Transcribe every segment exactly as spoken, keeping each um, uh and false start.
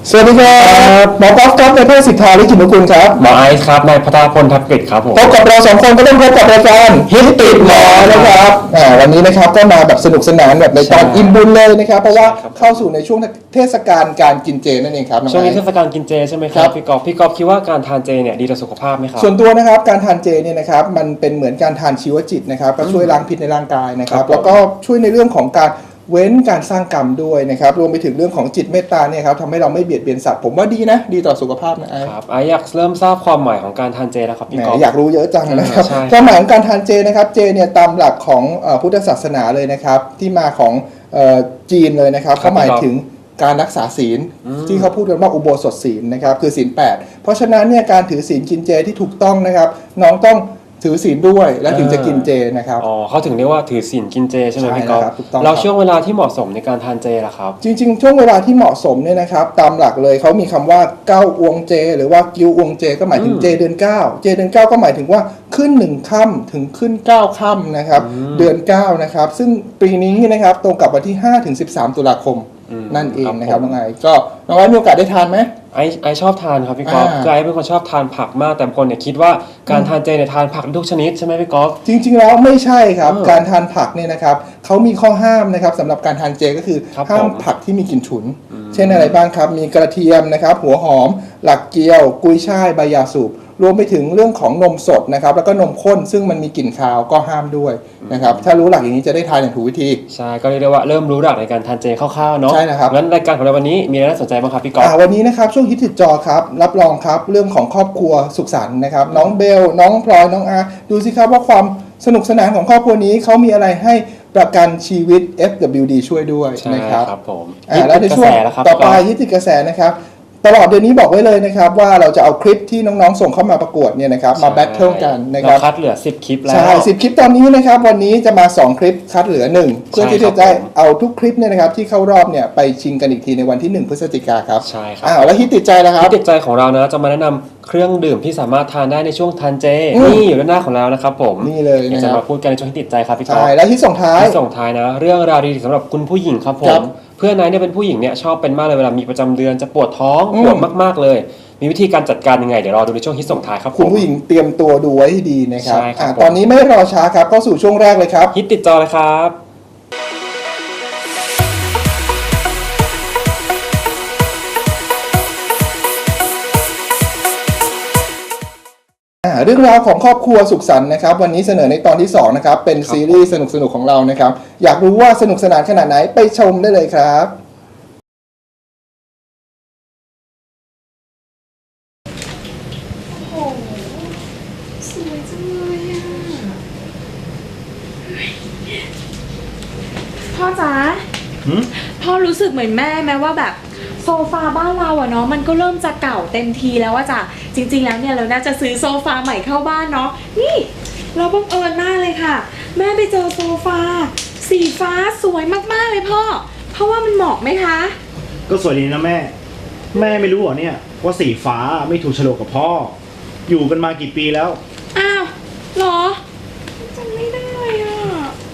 สวัสดีครับหมอกอล์ฟครับนายแพทย์สิทธาลิขิตนุกูลครับหมอไอซ์ครับนายพัทรพลทับกฤษครับผมพบกับเราสองคนก็ต้องพบกับรายการฮิตติดหมอนะครับอ่าวันนี้นะครับก็มาแบบสนุกสนานแบบในตอนอิ่มบุญเลยนะครับเพราะว่าเข้าสู่ในช่วงเทศกาลการกินเจนั่นเองครับช่วงนี้เทศกาลกินเจใช่ไหมครับพี่กอล์ฟพี่กอล์ฟคิดว่าการทานเจเนี่ยดีต่อสุขภาพไหมครับส่วนตัวนะครับการทานเจเนี่ยนะครับมันเป็นเหมือนการทานชีวจิตนะครับก็ช่วยล้างพิษในร่างกายนะครับแล้วก็ช่วยในเรื่องของการเว้นการสร้างกรรมด้วยนะครับรวมไปถึงเรื่องของจิตเมตตาเนี่ยครับทำให้เราไม่เบียดเบียนสัตว์ผมว่าดีนะดีต่อสุขภาพนะไอ้ครับไออยากเริ่มทราบความหมายของการทานเจแล้วครับพี่กอล์ฟอยากรู้เยอะจังนะครับความหมายของการทานเจนะครับเจเนี่ยตามหลักของพุทธศาสนาเลยนะครับที่มาของจีนเลยนะครับเขาหมายถึงการรักษาศีลที่เขาพูดกันว่าอุโบสถศีลนะครับคือศีลแปดเพราะฉะนั้นเนี่ยการถือศีลกินเจที่ถูกต้องนะครับน้องต้องถือศีลด้วยและถึงจะกินเจนะครับอ๋อเขาถึงเรียกว่าถือศีลกินเจใช่ไหมพี่กอล์ฟเราช่วงเวลาที่เหมาะสมในการทานเจล่ะครับจริงๆช่วงเวลาที่เหมาะสมเนี่ยนะครับตามหลักเลยเขามีคำว่าเก้าอวงเจหรือว่ากิวอวงเจก็หมายถึงเจเดือนเก้าเจเดือนเก้าก็หมายถึงว่าขึ้นหนึ่งค่ำถึงขึ้นเก้าค่ำนะครับเดือนเก้านะครับซึ่งปีนี้นะครับตรงกับวันที่ห้าถึงสิบสามตุลาคมนั่นเองนะครับน้องไอก็น้องไอมีโอกาสได้ทานไหมไอไอชอบทานครับพี่กอล์ฟคือไอเป็นคนชอบทานผักมากแต่คนเนี่ยคิดว่าการทานเจเนี่ยทานผักทุกชนิดใช่ไหมพี่กอล์ฟจริงๆแล้วไม่ใช่ครับการทานผักเนี่ยนะครับเขามีข้อห้ามนะครับสำหรับการทานเจก็คือห้ามผักที่มีกลิ่นฉุนเช่นอะไรบ้างครับมีกระเทียมนะครับหัวหอมหลักเกี๊ยวกุยช่ายใบยาสูบรวมไปถึงเรื่องของนมสดนะครับแล้วก็นมข้นซึ่งมันมีกลิ่นคาวก็ห้ามด้วยนะครับถ้ารู้หลักอย่างนี้จะได้ทานอย่างถูกวิธีใช่ก็เรียกได้ว่าเริ่มรู้หลักในการทานเจคร่าวๆเนาะใช่นะครับงั้นรายการของเราวันนี้มีอะไรน่าสนใจบ้างครับพี่กอล์ฟวันนี้นะครับช่วงฮิตติดจอครับรับรองครับเรื่องของครอบครัวสุขสันต์นะครับน้องเบลน้องพลอยน้องอาดูสิครับว่าความสนุกสนานของครอบครัวนี้เขามีอะไรให้ประกันชีวิต เอฟ ดับเบิลยู ดี ช่วยด้วยนะครับครับผมแล้วในช่วงต่อไปฮิตติดกระแสนะครับตลอดเดือนนี้บอกไว้เลยนะครับว่าเราจะเอาคลิปที่น้องๆส่งเข้ามาประกวดเนี่ยนะครับมาแบทเทิลกันนะครับเราคัดเหลือสิบคลิปแล้วใช่สิบคลิปตอนนี้นะครับวันนี้จะมาสองคลิปคัดเหลือหนึ่งเพื่อที่จะได้เอาทุกคลิปเนี่ยนะครับที่เข้ารอบเนี่ยไปชิงกันอีกทีในวันที่หนึ่งพฤศจิกายนครับใช่ครับอ้าวแล้วฮิตติดใจแล้วครับฮิตติดใจของเรานะจะมาแนะนำเครื่องดื่มที่สามารถทานได้ในช่วงทานเจนี่อยู่ด้านหน้าของเรานะครับผมนี่เลยนะจะมาพูดกันในช่วงฮิตติดใจครับพี่กอล์ฟใช่แล้วฮิตส่งท้ายฮิตส่งท้ายนะเรื่องราวดีๆสำหรับคุณผู้หญิงครับผมเพื่อนนายเนี่ยเป็นผู้หญิงเนี่ยชอบเป็นมากเลยเวลามีประจำเดือนจะปวดท้องปวดมากๆเลยมีวิธีการจัดการยังไงเดี๋ยวรอดูในช่วงฮิตส่งท้ายครับคุณผู้หญิงเตรียมตัวดูไว้ให้ดีนะครับตอนนี้ไม่รอช้าครับเข้าสู่ช่วงแรกเลยครับฮิตติดจอเลยครับเรื่องราวของครอบครัวสุขสันต์นะครับวันนี้เสนอในตอนที่สองนะครับเป็นซีรีส์สนุกๆของเรานะครับอยากรู้ว่าสนุกสนานขนาดไหนไปชมได้เลยครับโอ้โหสวยจังเลยอ่ะพ่อจ๋าพ่อรู้สึกเหมือนแม่ไหมว่าแบบโซฟาบ้านเราอะเนาะมันก็เริ่มจะเก่าเต็มทีแล้วอะจ้ะจริงๆแล้วเนี่ยเราน่าจะซื้อโซฟาใหม่เข้าบ้านเนาะนี่เราบังเอิญมากเลยค่ะแม่ไปเจอโซฟาสีฟ้าสวยมากๆเลยพ่อเพราะว่ามันเหมาะไหมคะก็สวยดีนะแม่แม่ไม่รู้เหรอเนี่ยว่าสีฟ้าไม่ถูกโฉลกกับพ่ออยู่กันมากี่ปีแล้วอ้าวเหรอจำไม่ได้อ่ะ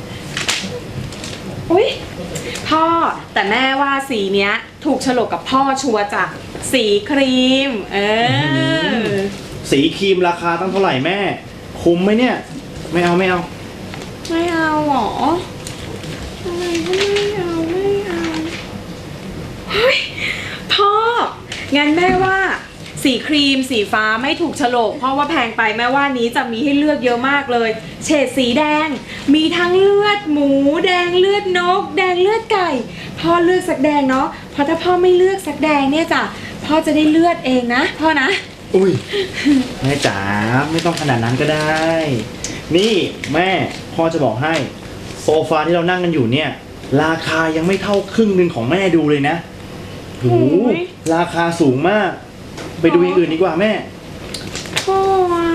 อุ๊ยพ่อแต่แม่ว่าสีเนี้ยถูกโฉลกกับพ่อชัวร์จ้ะสีครีมเออสีครีมราคาตั้งเท่าไหร่แม่คุ้มไหมเนี่ยไม่เอาไม่เอาไม่เอาหรออะไรก็ไม่เอาไม่เอาเฮ้ยพ่องั้นแม่ว่าสีครีมสีฟ้าไม่ถูกโฉลกเพราะว่าแพงไปแม่ว่านี้จะมีให้เลือกเยอะมากเลยเฉดสีแดงมีทั้งเลือดหมูแดงเลือดนกแดงเลือดไก่พ่อเลือกสักแดงเนาะเพราะถ้าพ่อไม่เลือกสักแดงเนี่ยจ้ะพ่อจะได้เลือดเองนะพ่อนะอุ้ยแม่จ๋าไม่ต้องขนาดนั้นก็ได้นี่แม่พ่อจะบอกให้โซฟาที่เรานั่งกันอยู่เนี่ยราคายังไม่เท่าครึ่งหนึ่งของแม่ดูเลยนะโหราคาสูงมากไปดูอย่างอื่นดีกว่าแม่พ่ออ่ะ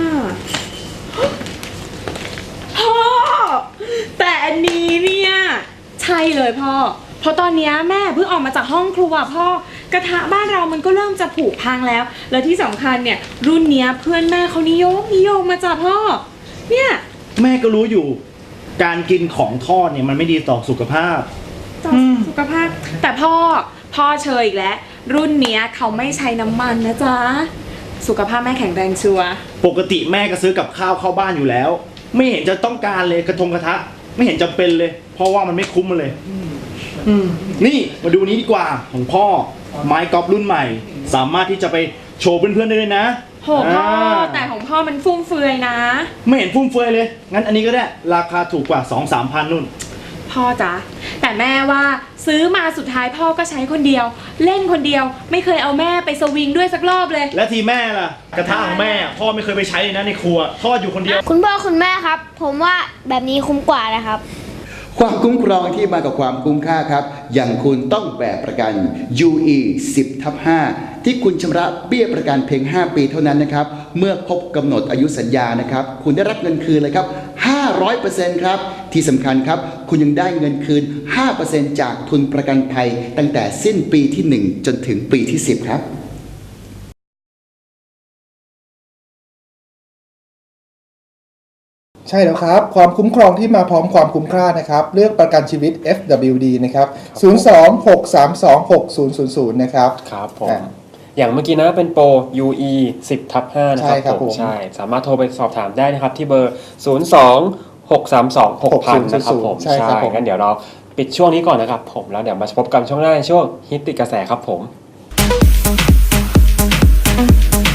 พ่อแต่อันนี้เนี่ยใช่เลยพ่อเพราะตอนนี้แม่เพิ่งออกมาจากห้องครัวพ่อกระทะบ้านเรามันก็เริ่มจะผุพังแล้วแล้วที่สำคัญเนี่ยรุ่นเนี้ยเพื่อนแม่เขานิยมนิยมมาจากพ่อเนี่ยแม่ก็รู้อยู่การกินของทอดเนี่ยมันไม่ดีต่อสุขภาพต่อสุขภาพแต่พ่อพ่อเชยอีกแล้วรุ่นเนี้ยเขาไม่ใช้น้ำมันนะจ๊ะสุขภาพแม่แข็งแรงชัวร์ปกติแม่ก็ซื้อกับข้าวเข้าบ้านอยู่แล้ว ไม่เห็นจะต้องการเลยกระทงกระทะ ไม่เห็นจำเป็นเลย เพราะว่ามันไม่คุ้มมันเลยอืมนี่มาดูนี้ดีกว่าของพ่อไม้กอล์ฟรุ่นใหม่ สามารถที่จะไปโชว์เพื่อนๆได้เลยนะโหพ่อแต่ของพ่อมันฟุ่มเฟือยนะไม่เห็นฟุ่มเฟือยเลย งั้นอันนี้ก็ได้ราคาถูกกว่า สองสามพันนู่นพ่อจ๊ะแต่แม่ว่าซื้อมาสุดท้ายพ่อก็ใช้คนเดียว เล่นคนเดียวไม่เคยเอาแม่ไปสวิงด้วยสักรอบเลยและทีแม่ล่ะ กระทะของแม่พ่อไม่เคยไปใช้เลยนะในครัวทอดอยู่คนเดียวคุณพ่อคุณแม่ครับ ผมว่าแบบนี้คุ้มกว่านะครับความคุ้มครองที่มากับความคุ้มค่าครับ อย่างคุณต้องแบกประกัน ยู อี สิบ ทับ ห้า ที่คุณชำระเบี้ยประกันเพียง ห้า ปีเท่านั้นนะครับ เมื่อครบกำหนดอายุสัญญานะครับ คุณได้รับเงินคืนเลยครับ ห้าร้อยเปอร์เซ็นต์ ครับ ที่สำคัญครับ คุณยังได้เงินคืน ห้าเปอร์เซ็นต์ จากทุนประกันภัยตั้งแต่สิ้นปีที่ หนึ่ง จนถึงปีที่ สิบ ครับใช่แล้วครับ ความคุ้มครองที่มาพร้อมความคุ้มค่านะครับ เลือกประกันชีวิต เอฟ ดับเบิลยู ดี นะครับ ศูนย์ สอง หก สาม สอง หก ศูนย์ ศูนย์ ศูนย์ นะครับครับผมอ่าอย่างเมื่อกี้นะเป็นโปร ยู อี สิบ ทับ ห้า นะครัใช่ครับผมใช่ สามารถโทรไปสอบถามได้นะครับที่เบอร์ ศูนย์ สอง หก สาม สอง หก ศูนย์ ศูนย์ นะครับผมใช่ครับผมงั้นเดี๋ยวเราปิดช่วงนี้ก่อนนะครับผม แล้วเดี๋ยวมาพบกันช่วงหน้าในช่วงฮิตติดกระแสครับผม